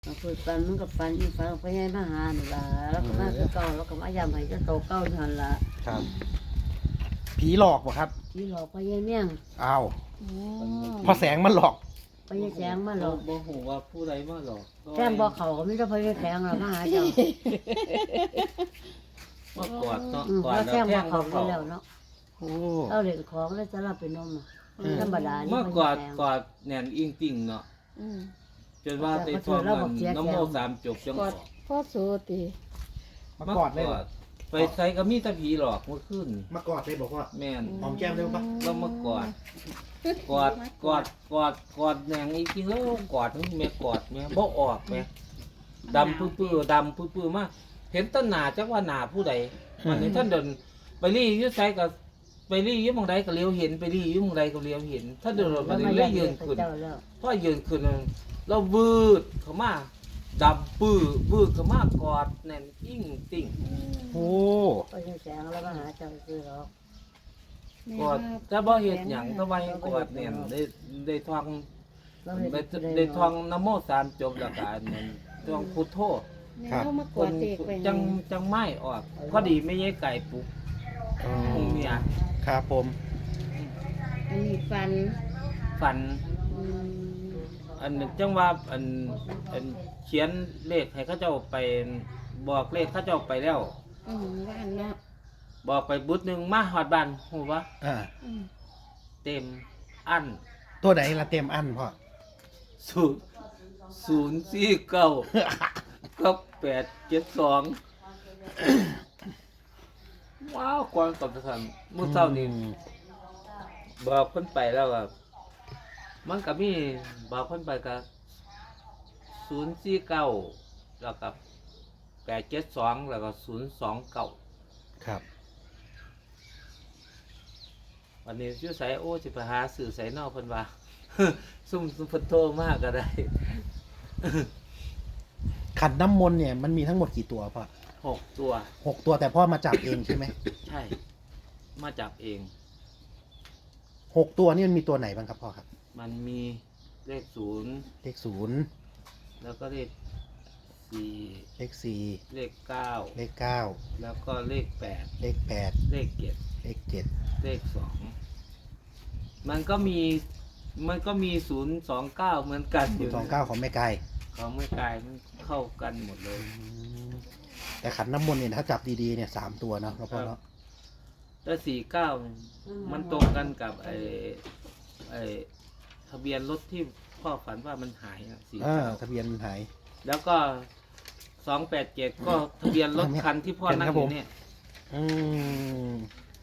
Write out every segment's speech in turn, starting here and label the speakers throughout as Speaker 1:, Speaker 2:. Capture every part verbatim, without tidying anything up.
Speaker 1: เราพูดปันมันกับปันอีฟังไปให้มาหานี่ล่ะแล้วก็มาคือเก่าแล้วก็มายำให้เจ้าโตเก่านั่นล่ะ
Speaker 2: ครับผีหลอกบ่ครับ
Speaker 1: ที่หลอกไปยายเมี่ยง
Speaker 2: อ้าว
Speaker 3: โอ้
Speaker 2: พอแสงมันหลอก
Speaker 1: ไปยายแสงมาหลอก
Speaker 4: บ่ฮู้ว่าผู้ใดมาหลอก
Speaker 1: แท่งบ่เขาก็ไม่ต้องไปยายแสงหรอกมาหาเจ้า
Speaker 4: มากอดเนาะ
Speaker 1: อืม
Speaker 4: กอ
Speaker 1: แล้
Speaker 4: ด
Speaker 1: ว
Speaker 4: แล้ว
Speaker 1: แท่ง
Speaker 4: แท่
Speaker 1: บ่
Speaker 4: ง
Speaker 1: เขา
Speaker 4: เขา
Speaker 1: ไป
Speaker 4: เขา
Speaker 1: แล้วเนาะ
Speaker 2: โอ้
Speaker 1: เอาเหรียญของแล้วจะรับเป็นนมอ่ะธรรมดานี่
Speaker 4: มากอด
Speaker 1: ไปยายแสง
Speaker 4: กอดแน่นอิงติ่งเนาะ
Speaker 3: อืม
Speaker 4: จนว่าได้ท่องมันน้ำโมสามจบจัง
Speaker 3: ก
Speaker 4: อ
Speaker 3: อ
Speaker 4: อ
Speaker 3: ด
Speaker 4: ก
Speaker 3: พ่อโสติ
Speaker 2: มากอดเลยเหรอ
Speaker 4: ไปใส่ก็มีแต่ผีหลอกเมื่อคืน
Speaker 2: มากอดเลยบอกว่า
Speaker 4: แม่น
Speaker 2: หอมแก้มได้ปะ
Speaker 4: เรามากอด กอดกอดกอดกอดแนงอีกทีแล้วกอดนี่แม่กอดแม่บ่ออกแม่ดำปื้อๆดำปื้อๆมากเห็นต้นหนาจักว่าหนาผู้ใดวันนี้ท่านเดินไปรีอยุ่ไสก็ไปรีอยุ่หมองใดก็เลี้ยวเห็นไปรีอยุ่หมองใดก็เลี้ยวเห็นถ้าเดินไปเรื่อยๆยืนขึ้น
Speaker 1: เจ้าแล้ว
Speaker 4: พอยืนขึ้นเราวืดเข้ามาดำปื้อวืดเข้ามากอดแน่นอิ่งติ่ง
Speaker 2: โอ้
Speaker 1: ไปยายแสงแล้วมาหาเจ้าคือหรอก
Speaker 4: กอดแต่บ่เฮ็ดหยังแต่ว่าให้กอดแน่นได้ได้ท่อง
Speaker 1: เราเห็น
Speaker 4: ได้
Speaker 1: ผู้ใด
Speaker 4: ได้
Speaker 1: เนาะ
Speaker 4: ท่องนะโมสามจบแล้วก็อันนั้นท่องพุทโธ
Speaker 3: แม่เขามาก
Speaker 4: ค
Speaker 3: อน ดเด็กไป
Speaker 4: จังจังไม่ออกพอดีไม่ใช่ไก่ปลุก
Speaker 2: อ๋อ
Speaker 4: องเมีย
Speaker 2: ครับผม
Speaker 3: อันนี้ฟัน
Speaker 4: ฝัน
Speaker 3: อืม
Speaker 4: อันจังว่าอันอันเขียนเลขให้เขาเจ้าไปบอกเลขเขาเจ้าไปแล้ว
Speaker 3: อืมว่านเนาะ
Speaker 4: บอกไปบุตรหนึ่งมาหอดบ้านหูวะ
Speaker 2: อ่า
Speaker 3: อืม
Speaker 4: เต็มอัน
Speaker 2: ตัวไหนละเต็มอันพ่อ
Speaker 4: ศูนย์ศูนย์สี่เก้ากับแปดเจ็ดสองว้าวกวางกับทันมื้อเช้านี้
Speaker 2: อืม
Speaker 4: บอกเพิ่นไปแล้วก็มันก็มีบอกเพิ่นไปก็ศูนย์สี่เก้าแล้วก็แปดเจ็ดสองแล้วก็ศูนย์สองเก้า
Speaker 2: ครับ
Speaker 4: วันนี้ชื่อไสโอ้สิไปหาสื่อไสนอกเพิ่นว่า ซุ่มซุ่มเพิ่นโทรมากก็ได้
Speaker 2: ขันน้ำมนต์เนี่ยมันมีทั้งหมดกี่ตัวพ่อ
Speaker 4: หกตัว
Speaker 2: หกตัวแต่พ่อมาจับเองใช่ไหม
Speaker 4: ใช่ มาจับเอง
Speaker 2: หกตัวนี่มันมีตัวไหนบ้างครับพ่อครับ
Speaker 4: มันมีเลขศูนย์
Speaker 2: เลขศูนย์
Speaker 4: แล้วก็เลขสี่
Speaker 2: เลขสี่
Speaker 4: เลขเก้า
Speaker 2: เลขเก้า
Speaker 4: แล้วก็เลขแปด
Speaker 2: เลขแปด
Speaker 4: เลขเจ็ด
Speaker 2: เลขเจ็ด
Speaker 4: เลขสองมันก็มีมันก็มีศูนย์สองเก้าเหมือนกันอยู่
Speaker 2: สองเก้าของแม่ไก่
Speaker 4: เขาไม่กลายมันเข้ากันหมดเลย
Speaker 2: อืมแต่ขันน้ำมนต์เนี่ยถ้าจับดีๆเนี่ยสามตัวเนาะพ่อเนาะ
Speaker 4: แต่สี่เก้ามันตรงกันกับไอ้ไอ้ทะเบียนรถที่พ่อฝันว่ามันหายสี่
Speaker 2: อ่า
Speaker 4: เก้า
Speaker 2: ทะเบียนหาย
Speaker 4: แล้วก็สองแปดเจ็ดก็ทะเบียนรถคันที่พ่อนั่งอยู่เนี่ย
Speaker 2: อืม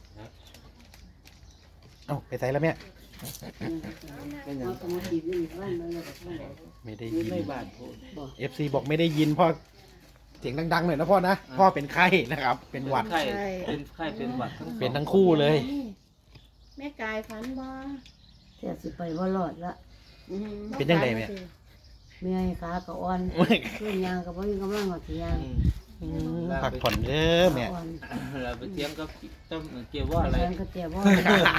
Speaker 2: เอ้าไปใส่แล้วแม่
Speaker 4: เป็นอย่า
Speaker 1: เอา
Speaker 4: ง
Speaker 1: สมุดจีบนี่บ้านมันเลยแบบนั้นแหละ
Speaker 2: ไม่ได้
Speaker 4: นี่
Speaker 2: ยิน
Speaker 4: ไม่บาดพูด
Speaker 1: บอก
Speaker 2: เอฟซีบอกไม่ได้ยินพ่อเสียงดังๆหน่อยนะพ่อนะ
Speaker 4: อ่า
Speaker 2: พ่อเป็นไข้นะครับ เป็นหวัด
Speaker 4: ไข้เป็นไข้เป็นหวัดทั้งสอง
Speaker 2: เป็นทั้งคู่เลย
Speaker 3: แม่กายฟันบ่
Speaker 1: เสียสิไปว่ารอดละ
Speaker 3: อืม
Speaker 2: เป็นจังไดแม่
Speaker 1: เมียขาก็อ่อนขึ้นยางก็บ่มีกำลังหอดยาง
Speaker 4: อืม
Speaker 2: อืมพักผ่อนเด้อแม่
Speaker 1: อ่อน
Speaker 4: เราไปเทียมกับเจ้าเกี่ยวว่าอะไร
Speaker 1: แฟนก็เจ็บว่า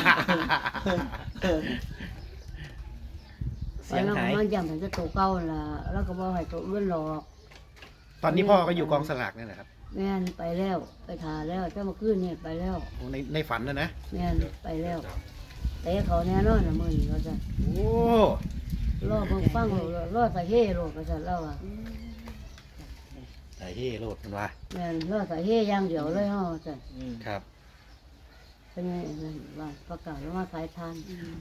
Speaker 2: เสียง
Speaker 1: แล้ว
Speaker 2: หาย
Speaker 1: มันยำถึงจะโตเก่าล่ะแล้วก็บ่ให้โตอื่นหรอก
Speaker 2: ตอนนี้พ่อก็อยู่กองสลากนี่แหละครับ
Speaker 1: แม่นไปแล้วไปทาแล้วเจ้ามาขึ้นนี่ไปแล้ว
Speaker 2: ในในฝันนะนะ
Speaker 1: แม่นไปแล้วแต่เขาแน่นอนนะมื้อนี้ว่าซั่น
Speaker 2: โอ้
Speaker 1: รอเบิ่งฟังโลดรอสะเฮ่โลดว่าซั่นแล้วอ่ะ
Speaker 3: อืม
Speaker 2: ไอ้เฮ่โลดมันว่า
Speaker 1: แม่นรอสะเฮ่อย่างเดียวเลยเฮาว่าซั่น
Speaker 4: อืม
Speaker 2: ครับ
Speaker 1: เป็นไงนั่นว่าประกาศแล้วว่าขายทาน
Speaker 3: อืม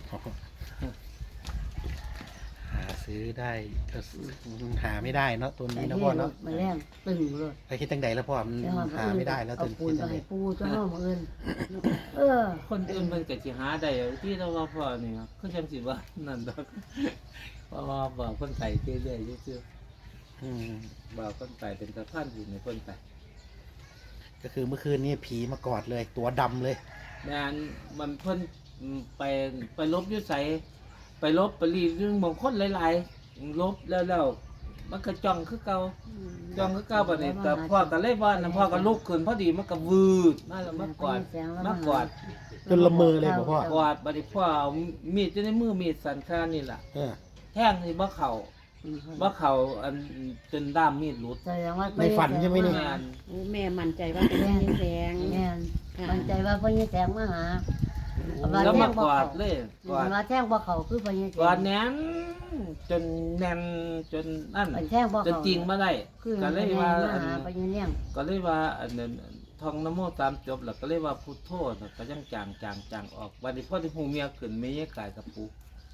Speaker 2: หาซื้อได้ก็หาไม่ได้เนาะตัว
Speaker 1: สะ
Speaker 2: นี้นะ
Speaker 1: เฮ่
Speaker 2: พ่อ
Speaker 1: โล
Speaker 2: เนาะ
Speaker 1: ดมาแรงตึงโลด
Speaker 2: ไปคิดตั้งใดแล้วพ่อมัน
Speaker 1: แล้วเฮา
Speaker 2: หาไม่ได้แล้ว
Speaker 1: เอา
Speaker 2: ตัว
Speaker 1: ปูน
Speaker 2: คิด
Speaker 1: ไป
Speaker 2: ตั้งใด
Speaker 1: ให้ปูตัวเฮามื้ออื่นเออ
Speaker 4: คนอื่นมันก็สิหาได้ที่เราว่าพ่อนี่ครับเขาจังสิว่านั่นดอกเพราะว่าบอกคนไทยเรื่อยๆซื่อ
Speaker 2: อืม
Speaker 4: ๆบอกคนไทยเป็นตะพันอยู่ในคนไทย
Speaker 2: ก็คือเมื่อคืนนี้ผีมากอดเลย ตัวดำเลย
Speaker 4: แม่นมันเพิ่นไปไปลบอยุ่ใสไปลบไปรีดเรื่องบางคนหลายๆลบแล้วแล้วมันก็จ้องคือเก่า
Speaker 3: อืม
Speaker 4: จ้องคือเก่าบัดนี้แต่พ่อก็เลยว่านะพ่อก็ลุกขึ้นพอดีมันก็วืดมาแล้วมากอดมากอด
Speaker 2: จนละเมอเลยบอกพ่อ
Speaker 4: กอดบัดนี้พ่อเอามีดอยู่ในมือมีดสันคานี่ล่ะ
Speaker 2: เออ
Speaker 4: แท่งนี่บ่เข้า
Speaker 1: อืม
Speaker 4: ว่าเขาอันจนด้ามมีดหลุด
Speaker 1: แสดงว่า
Speaker 2: ในฝันใช่ไหมนี่
Speaker 4: แม่น
Speaker 3: โอ้แม่มั่นใจว่าเป็นแม่แสง
Speaker 1: แม่นมันใจว่าพ่อใหญ่แสงมาหา ว่า
Speaker 4: แล้ว
Speaker 1: แท่
Speaker 4: มาง
Speaker 1: บ่
Speaker 4: กอ
Speaker 1: เข้า
Speaker 4: ดเลยกอด
Speaker 1: ว่าแท่งบ่เขาคือพ่อใหญ่แส
Speaker 4: กอด
Speaker 1: ง
Speaker 4: แน่นจนแน่นจนนั่น
Speaker 1: มันแท่งบ่
Speaker 4: จน
Speaker 1: เขา
Speaker 4: จริงมาได้
Speaker 1: คือ
Speaker 4: ก็
Speaker 1: พ่อ
Speaker 4: เลย
Speaker 1: ใหญ่
Speaker 4: ว่า
Speaker 1: มา
Speaker 4: อัน
Speaker 1: หาพ่อใหญ่เลี้ยง
Speaker 4: ก็เลยว่าอันนั้นท่องนะโมตามจบแล้วก็เลยว่าพุทโธน่ะก็ยังจางจางจางออกวันนี้พ่อที่หูเมียขึ้นไม่แยกกายกับปู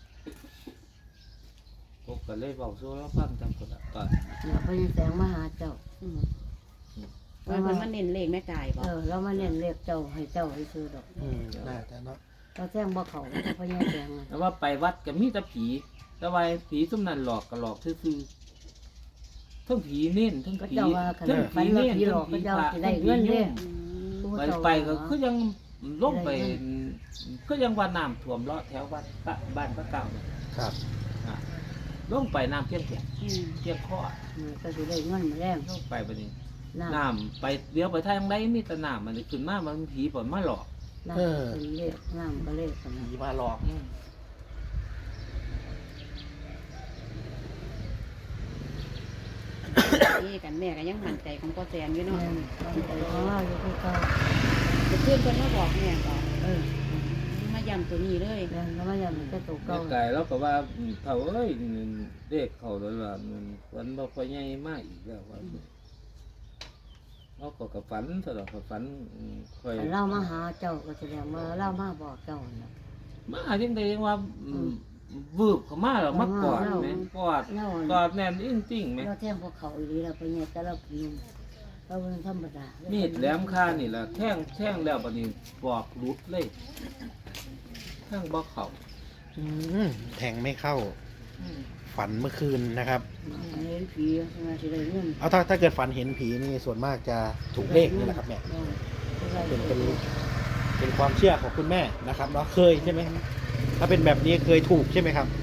Speaker 4: พวกก็เลยเบาสู้แล้วฟังจังคนละก่อน
Speaker 1: เนี่ยพ่อใหญ่แสงมาหาเจ้า
Speaker 3: อืมว่าเพิ่นมาเน้นเลขแม่กายบ่
Speaker 1: เออเรามาเน้นเรียกเจ้าให้เจ้าให้ซื้อดอก
Speaker 2: อืมน่าจะเนาะ
Speaker 1: เราแท่งบ่เขาพ่อใหญ่แสง
Speaker 4: แต่ว่าไปวัดก็มีแต่ผีแต่ว่าผีซุ่มนั้นหลอกก็หลอกซื่อๆทั้งผีเน้นทั้ง
Speaker 1: ก็
Speaker 4: ผี
Speaker 1: เจ้าว่าคัน
Speaker 4: ทั้ง
Speaker 1: ฝั
Speaker 4: ผี
Speaker 1: นว่า
Speaker 4: เน้น
Speaker 1: ผีหล
Speaker 4: ทั้
Speaker 1: อง กก็
Speaker 4: ผี
Speaker 1: เจ้า
Speaker 4: พระ
Speaker 1: สิ
Speaker 4: ทั้
Speaker 1: ได้
Speaker 4: งผี
Speaker 1: เงินเด้
Speaker 4: ยุ่ง
Speaker 1: ผู้
Speaker 4: ไป
Speaker 1: เจ้า
Speaker 4: ไปก็
Speaker 1: ว่า
Speaker 4: คือยังลงไปก็ยังว่าน้ำท่วมเลาะแถวบ้านปะบ้านพระเก่าเนี่ย
Speaker 2: ครับ
Speaker 4: อ่ะลงไปน้ำเพียงแค่
Speaker 3: อืม
Speaker 4: เพียงข้อ
Speaker 1: เออก็สิได้เงินมาแรง
Speaker 4: ลงไปบัดนี้
Speaker 1: น้ำ
Speaker 4: น้ำไปเดี๋ยวไปทางใดมีแต่น้ำมันขึ้นมามันผีปล่อยมาหลอก
Speaker 1: น้ำเป็นเลขน้ำก็เลขกันนะ
Speaker 2: ผีมาหลอก
Speaker 4: อืม
Speaker 3: นี่กันแม่ก็ยังมั่นใจของพ่อแสงอยู่เนาะ
Speaker 1: แม่นมันใจของเราอยู่คือเก่า
Speaker 3: จะเพื่อนเพิ่นมาบอกแม่ก็
Speaker 1: เออ
Speaker 3: มาย้ำตัวนี้เลย
Speaker 1: แม่นก็มาอย่างนี้ก็ตัว
Speaker 4: แม่
Speaker 1: เก่า
Speaker 4: ไก่แล้วก็ว่าอืมเขาเอ้ยเด็กเขาแล้วล่ะมันฝันบอกว่าใหญ่มากอีกแล้วว่าเขาก็กับฝันตลอดกับฝันอืมค่อย
Speaker 1: แต่เรามาหาเจ้าก็แสดงว่าเรามาบอกเจ้าน่ะ
Speaker 4: มาจังไดยังว่าอืมวืบเข้ามาแล้วมากอดแม่กอด
Speaker 1: เรา
Speaker 4: กอดแน่นจริงๆแม่
Speaker 1: เราแท่งพวกเขาอีหลีเราไปเนี่ยแต่เราพิมเราเป็นธรรมดา
Speaker 4: มี
Speaker 1: มี
Speaker 4: ดแหลมคานี่แหละแท่งแท่งแล้วบัดนี้ปอกหลุดเลยแท่งบ่เข้า
Speaker 2: อืมแทงไม่เข้า
Speaker 4: อืม
Speaker 2: ฝันเมื่อคืนนะครับ
Speaker 1: เห็นผีมาสิได้เงิน
Speaker 2: เอาถ้าถ้าเกิดฝันเห็นผีนี่ส่วนมากจะถูกเลขนี่แหละครับแม่เป็นเป็นเป็นความเชื่อของคุณแม่นะครับเนาะเคยใช่ไหมถ้าเป็นแบบนี้เคยถูกใช่ไหมครับ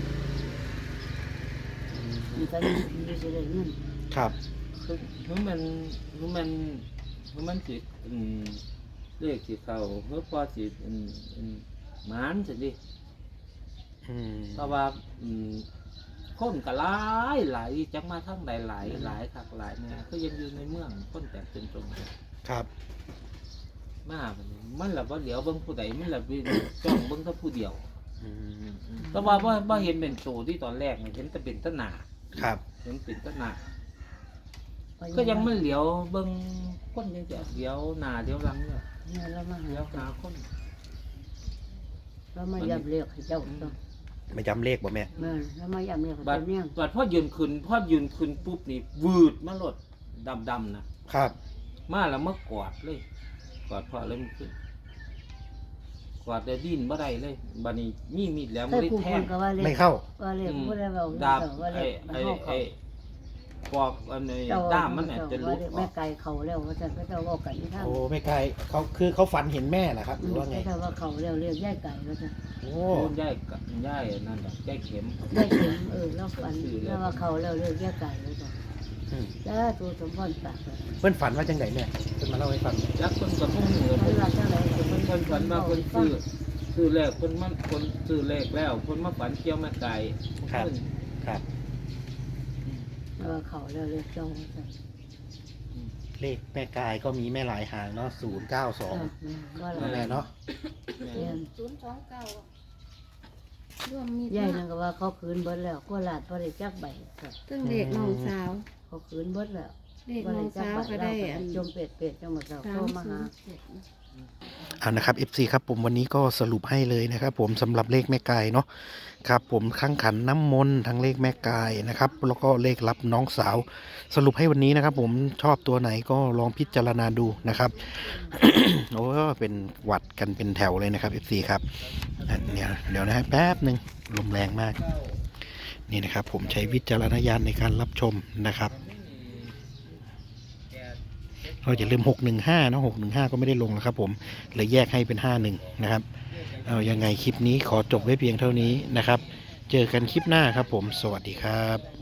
Speaker 2: อืม
Speaker 1: มีแต่มีผีสิได้เงิน
Speaker 2: ครับ
Speaker 4: คือคือมันคือมันคือมันสิอืมเลขสิเข้าเพื่อพอสิอืมอืมหมานสิดิ
Speaker 2: อืม
Speaker 4: เพราะว่าอืมคนก็หลายหลายจักมาทั้งใดหลายหลายคักหลายเนี่ยก็ยังอยู่ในเมืองคนแตกเป็นตรงกัน
Speaker 2: ครับ
Speaker 4: มาบัดนี้มันละบ่เหลียวเบิ่งผู้ใดมันละไปจ้องเบิ่งแต่ผู้เดียว
Speaker 2: อืม
Speaker 4: แต่ว่าบ่บ่เห็นเป็นโตที่ตอนแรกนี่เห็นแต่เป็นตะหนา
Speaker 2: ครับ
Speaker 4: เห็นเป็นตะหนาก็ยังมันเหลียวเบิ่งคนยังจะเหลียวหน้าเหลียวหลังเนี่ย
Speaker 1: เนี่ยเรามา
Speaker 4: เหลี
Speaker 1: หา
Speaker 4: ยวหาคน
Speaker 1: เรามายับเรียกให้เจ้าต้อง
Speaker 2: ไม่จำเลขบ่แม่
Speaker 1: แม่เรามายับเรียกให้
Speaker 4: บัด
Speaker 1: เจ้าเนี่ย
Speaker 4: บัดพอยืนขึ้นพอยืนขึ้นปุ๊บนี่วืดมาโลดดำๆนะครับ มาแล้วมากอดเลยกอดพ่อเลยมันขึ้นกอดแต่ดิ้นบ่ได้เลยบัดนี้มีมีดแหลม
Speaker 1: แต่
Speaker 4: บ่ได้
Speaker 1: ผู้
Speaker 4: แท
Speaker 1: คน
Speaker 4: ง
Speaker 1: ก็ว่าเรีย
Speaker 2: ไม่
Speaker 1: ก
Speaker 2: เข้า
Speaker 1: ว่าเรียกผู้ใดเว้า
Speaker 4: ดาบ
Speaker 1: ว่า
Speaker 4: ไอ้
Speaker 1: เรียก
Speaker 4: ไอ้
Speaker 1: เฮา
Speaker 4: ไอ้ปอกอันนี้
Speaker 1: เจ้า
Speaker 4: ด้ามมันเนี่ยจะหลุ
Speaker 1: ว่า
Speaker 4: ด
Speaker 1: เรียก
Speaker 4: อ
Speaker 1: แม่
Speaker 4: อก
Speaker 1: ไก่เขาแล้วว่าจะก็เจ้าเว้ากันที่ทาง
Speaker 2: โอ้ไม่ไกลเขาคือเขาฝันเห็นแม่เหรอครับหรือว่าไง
Speaker 1: ก็เจ้าว่าเขาแล้วเรียกย่ายไก่ว่าจะ
Speaker 2: โอ้
Speaker 4: โอ้ย่ายกะย่ายนั่นแหละย่ายเข็ม
Speaker 1: ย่ายเข็มเออเราฝันแล้วว่าเขาแล้วเรียกย่ายไก่ว่าจะ
Speaker 2: อืม
Speaker 1: จ้าตัวสมพรปากเลย
Speaker 2: เพื่อนฝันว่าจังไหนแม่เพื่อนมาเล่าให้ฟัง
Speaker 4: ยักษ์คนกับพวกหนู
Speaker 1: เวลาเท่าไหร่
Speaker 4: คนคนฝันมาคนซื้อซื้อแรกคนมันคนซื้อแรกแล้ว คนมาฝันเกี่ยวแม่ไก่
Speaker 2: ครับ ครับ
Speaker 1: เออเขาแล้วเรียกเจ้าว่าจะ
Speaker 2: เลขแม่กายก็มีแม่หลายหางเนาะศูนย์เก้าสอง
Speaker 1: ว่า
Speaker 2: แม่
Speaker 1: เรา
Speaker 2: เนาะ
Speaker 1: เรียน
Speaker 3: ศูนย์สองเก้าร่วมมี
Speaker 1: ย่ายนั่นก็ว่าเขาคืนเบิดแล้วก็ลาดพอได้จักใบ
Speaker 3: ซึ่งเด็กน้องสาว
Speaker 1: เขาคืนเบิดแล้ว
Speaker 3: เด็กน้องสาวก็ได้อัน
Speaker 1: จมเป็ดเป็ดจังหวัดเรา
Speaker 3: สา
Speaker 1: โทร
Speaker 3: ม
Speaker 1: มา
Speaker 3: ศู
Speaker 1: หาน
Speaker 3: ย์เจ็ด
Speaker 2: เอานะครับ เอฟ ซี ครับผมวันนี้ก็สรุปให้เลยนะครับผมสำหรับเลขแม่กายเนาะครับผมข้างขันน้ำมนต์ทั้งเลขแม่กายนะครับแล้วก็เลขรับน้องสาว สรุปให้วันนี้นะครับ ผมชอบตัวไหนก็ลองพิจารณาดูนะครับ โอ้เป็นหวัดกันเป็นแถวเลยนะครับ เอฟ ซี ครับอ่ะเนี่ยเดี๋ยวนะฮะแป๊บหนึ่งลมแรงมากนี่นะครับ ผมใช้วิจารณญาณในการรับชมนะครับเราจะลืมหกหนึ่งห้านะหกหนึ่งห้าก็ไม่ได้ลงแล้วครับผมเลยแยกให้เป็นห้าหนึ่งนะครับเอายังไงคลิปนี้ขอจบไว้เพียงเท่านี้นะครับ เจอกันคลิปหน้าครับผมสวัสดีครับ